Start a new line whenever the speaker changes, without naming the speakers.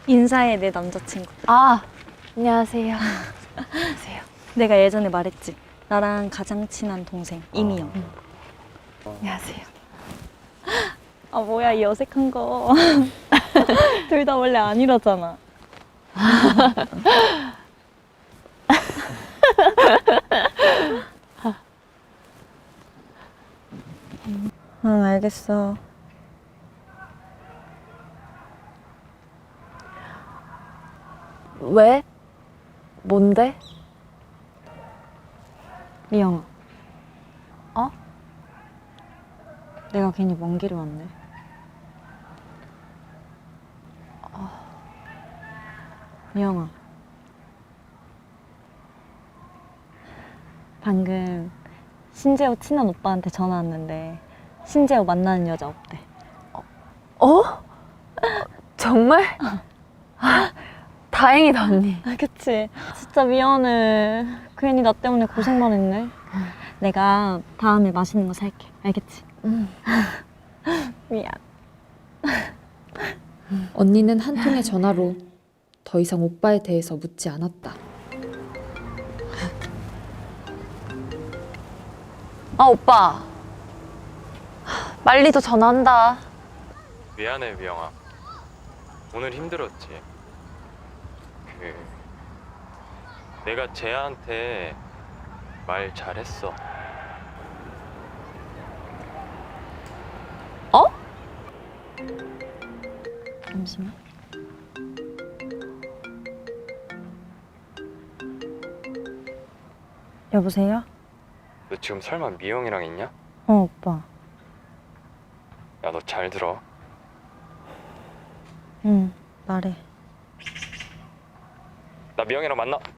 인사해, 내 남자친구.
아, 안녕하세요. 안녕하세요.
내가 예전에 말했지. 나랑 가장 친한 동생, 이미영.
안녕하세요.
아, 뭐야, 이 어색한 거. 둘 다 원래 안 이러잖아. 응, 알겠어.
왜? 뭔데?
미영아.
어?
내가 괜히 먼 길을 왔네. 미영아. 방금 신재호 친한 오빠한테 전화 왔는데 신재호 만나는 여자 없대.
어? 정말? 다행이다, 언니.
아, 그치. 진짜 미안해. 괜히 나 때문에 고생만 했네. 내가 다음에 맛있는 거 살게. 알겠지? 미안.
언니는 한 통의 전화로 더 이상 오빠에 대해서 묻지 않았다.
아, 오빠. 말리도 전화한다.
미안해 미영아. 오늘 힘들었지. 내가 쟤한테 말 잘했어.
어?
잠시만. 여보세요?
너 지금 설마 미영이랑 있냐?
오빠.
야 너 잘 들어.
응, 말해.
나 미영이랑 만나.